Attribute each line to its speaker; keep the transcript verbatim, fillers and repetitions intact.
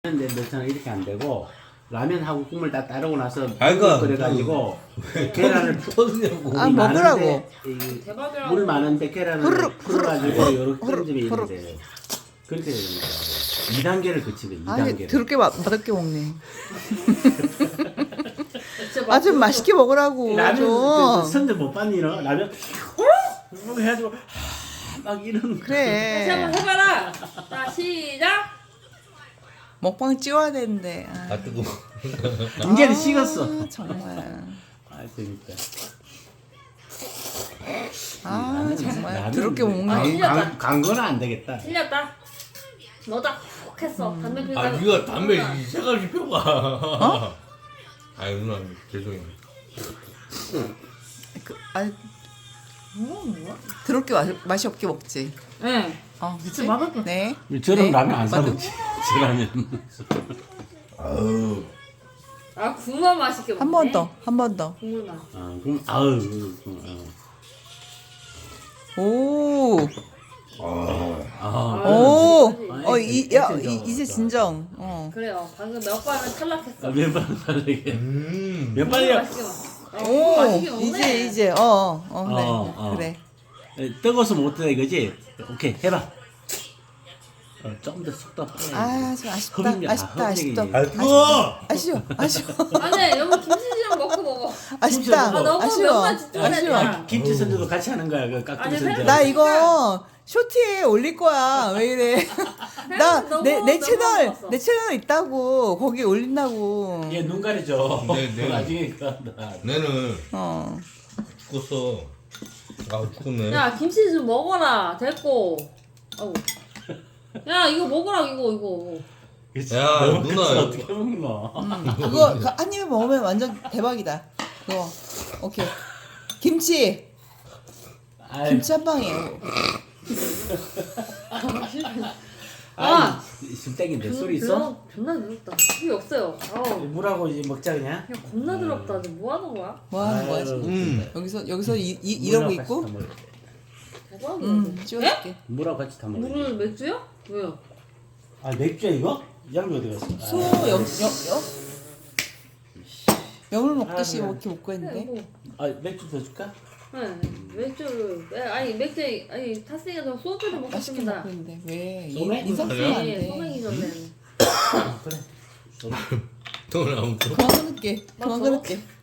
Speaker 1: 근데 너처럼 이렇게 안 되고 라면하고 국물 다 따르고 나서
Speaker 2: 아이고,
Speaker 1: 끓여가지고 계란을
Speaker 2: 터지냐고.
Speaker 3: 아, 먹으라고.
Speaker 4: 대박이라고.
Speaker 1: 물 많은데 계란을
Speaker 3: 후루룩,
Speaker 1: 풀어가지고
Speaker 3: 후루룩,
Speaker 1: 요렇게
Speaker 3: 후루룩,
Speaker 1: 던지면 이렇게
Speaker 3: 후루룩.
Speaker 1: 돼요. 그렇게 됩니다. 이 단계를 거치면 이
Speaker 3: 아니
Speaker 1: 단계를.
Speaker 3: 더럽게 마- 맛없게 먹네.
Speaker 4: 진짜
Speaker 3: 아 좀 맛있게 먹으라고
Speaker 1: 라면
Speaker 3: 좀.
Speaker 1: 그 선전 못 봤니 너? 라면 이렇게 해가지고 하, 막 이런.
Speaker 3: 그래.
Speaker 4: 다시 한번 해봐라. 자 시작.
Speaker 3: 먹방 찍어야 되는데. 아,
Speaker 2: 아 뜨거.
Speaker 1: 이제는 식었어.
Speaker 3: 아, 정말.
Speaker 1: 아 재밌다.
Speaker 3: 아
Speaker 1: 라면-
Speaker 3: 정말
Speaker 1: 라면
Speaker 3: 더럽게
Speaker 4: 아,
Speaker 3: 먹네.
Speaker 4: 틀렸다.
Speaker 1: 강, 강 거는 안 되겠다.
Speaker 4: 틀렸다. 너다 훅 했어. 담배 피우다가.
Speaker 2: 아 네가 담배 이 색깔이 펴봐. 어? 아이 누나 죄송해요.
Speaker 3: 그, 아, 뭐 뭐야? 더럽게 맛, 맛이 없게 먹지.
Speaker 4: 네.
Speaker 3: 어, 그치?
Speaker 4: 맛없게.
Speaker 3: 네.
Speaker 1: 저런
Speaker 3: 네.
Speaker 1: 라면 안
Speaker 3: 맞아.
Speaker 1: 사먹지. 저 라면.
Speaker 2: 아우.
Speaker 4: 아 국물 맛있게 먹네.
Speaker 3: 한 번 더, 한 번 더.
Speaker 4: 국물 맛.
Speaker 1: 아 그럼 아우. 어.
Speaker 3: 오,
Speaker 1: 아.
Speaker 3: 오,
Speaker 4: 그렇지.
Speaker 3: 어, 이, 야,
Speaker 1: 진정.
Speaker 3: 이, 이제 진정. 어.
Speaker 4: 그래요. 방금 몇 번을 탈락했어.
Speaker 1: 몇번 살리게.
Speaker 2: 음.
Speaker 1: 몇
Speaker 4: 국물
Speaker 1: 번이야?
Speaker 4: 맛있게 먹. 어,
Speaker 3: 오,
Speaker 4: 맛있게 먹네.
Speaker 3: 이제 이제 어, 어, 어, 그래,
Speaker 1: 어, 어.
Speaker 3: 그래.
Speaker 1: 뜨거워서 못하다 이거지? 오케이 해봐. 어, 좀 더 속도 빨리.
Speaker 3: 아, 좀 아쉽다,
Speaker 1: 허빙이- 아,
Speaker 3: 아쉽다,
Speaker 1: 허빙이.
Speaker 3: 아쉽다.
Speaker 2: 아 뜨거.
Speaker 3: 아쉬워, 아쉬워,
Speaker 4: 아니 여보 김치찌개랑 먹고 먹어.
Speaker 3: 아쉽다,
Speaker 4: 아, 너무
Speaker 3: 아쉬워,
Speaker 4: 명만 집중해야
Speaker 3: 아쉬워.
Speaker 4: 되잖아.
Speaker 1: 김치 선조도 같이 하는 거야. 그 깍두기
Speaker 4: 아니,
Speaker 1: 선조.
Speaker 3: 나 이거 쇼티에 올릴 거야. 왜 이래? 나
Speaker 4: 너무-
Speaker 3: 내 내
Speaker 4: 너무
Speaker 3: 채널
Speaker 4: 먹었어.
Speaker 3: 내 채널 있다고 거기 올린다고.
Speaker 1: 얘눈 가리죠.
Speaker 2: 네, 네.
Speaker 1: 나중에 그런다.
Speaker 2: 내는
Speaker 3: 어.
Speaker 2: 죽었어. 아 죽었네.
Speaker 4: 야 김치 좀 먹어라. 됐고. 아우. 야 이거 먹으라 이거 이거.
Speaker 2: 야,
Speaker 1: 너무
Speaker 2: 누나.
Speaker 1: 커서 어떻게 먹노?
Speaker 3: 음, 그거 그 한 입에 먹으면 완전 대박이다. 그거. 오케이. 김치.
Speaker 1: 아이,
Speaker 3: 김치 한 방이에요.
Speaker 4: 아.
Speaker 1: 아이, 술땡인데
Speaker 4: 존-
Speaker 1: 술이 있어?
Speaker 4: 존나- 존나 더럽다. 술이 없어요. 아우.
Speaker 1: 물하고 이제 먹자 그냥.
Speaker 4: 야 겁나 더럽다. 지금 뭐 하는 거야?
Speaker 3: 뭐 하는 거야 지금?
Speaker 2: 음.
Speaker 3: 여기서 여기서 이, 이 이러고
Speaker 1: 물하고
Speaker 3: 있고.
Speaker 1: 같이 다 먹어야 돼.
Speaker 4: 대박이야.
Speaker 3: 음, 찍어줄게.
Speaker 1: 물하고 같이 다 먹어.
Speaker 4: 물을 맥주요? 왜요?
Speaker 1: 아 맥주야 이거? 양이 어디 갔어? 아,
Speaker 3: 소염염염 염을 먹듯이
Speaker 1: 아,
Speaker 3: 뭐 이렇게 먹고
Speaker 4: 네,
Speaker 3: 했는데.
Speaker 4: 뭐.
Speaker 1: 아 맥주 더 줄까?
Speaker 4: 네, 맥주를 에, 아니 맥주 아니 탔으니까 저 소주를
Speaker 3: 맛있게
Speaker 4: 먹겠습니다.
Speaker 3: 먹고 있는데 왜
Speaker 1: 소맥?
Speaker 3: 인상 쓰면 안
Speaker 4: 네,
Speaker 3: 돼.
Speaker 4: 소맥이 전에.
Speaker 1: 그래.
Speaker 2: 또 나오고.
Speaker 3: 그만 끊을게. 그만
Speaker 4: 맞아?
Speaker 3: 끊을게.